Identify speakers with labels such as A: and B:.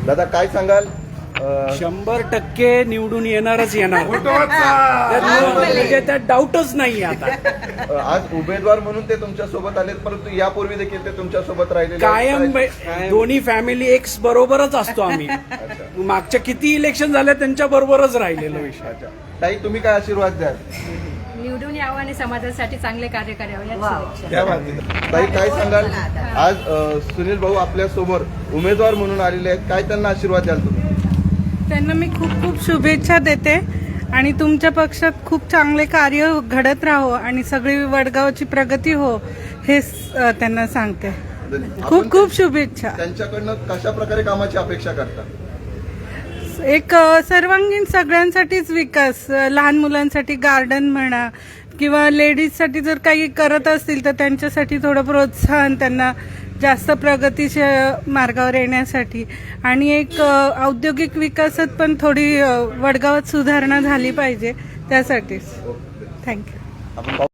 A: दादा काय सांगाल?
B: 100% निवडून येणारच येणार, म्हणजे त्यात डाऊटच नाही आता.
A: आज उमेदवार म्हणून ते तुमच्या सोबत आलेत, परंतु यापूर्वी देखील ते तुमच्या सोबत राहिले
B: कायम दोन्ही फॅमिली एक्स बरोबरच असतो आम्ही. मागच्या किती इलेक्शन झाले त्यांच्या बरोबरच राहिलेलो विषय.
A: ताई तुम्ही काय आशीर्वाद द्याल?
C: निवडून यावं आणि समाजासाठी चांगले कार्य करावे.
A: ताई काय सांगाल? आज सुनील भाऊ आपल्या समोर उमेदवार म्हणून आलेले आहेत, काय त्यांना आशीर्वाद द्याल तुम्ही?
D: त्यांना मी खूप खूप शुभेच्छा देते आणि तुमच्या पक्षात खूप चांगले कार्य घडत राहो आणि सगळी वडगावची प्रगती हो हे त्यांना सांगते. खूप खूप शुभेच्छा.
A: त्यांच्याकडनं कशा प्रकारे कामाची अपेक्षा करता?
D: एक सर्वांगीण सगळ्यांसाठीच विकास, लहान मुलांसाठी गार्डन म्हणा किंवा लेडीजसाठी जर काही करत असतील तर त्यांच्यासाठी थोडं प्रोत्साहन, त्यांना जास्त प्रगतीच्या मार्गावर येण्यासाठी, आणि एक औद्योगिक विकासात पण थोडी वडगावात सुधारणा झाली पाहिजे त्यासाठीच. थँक्यू.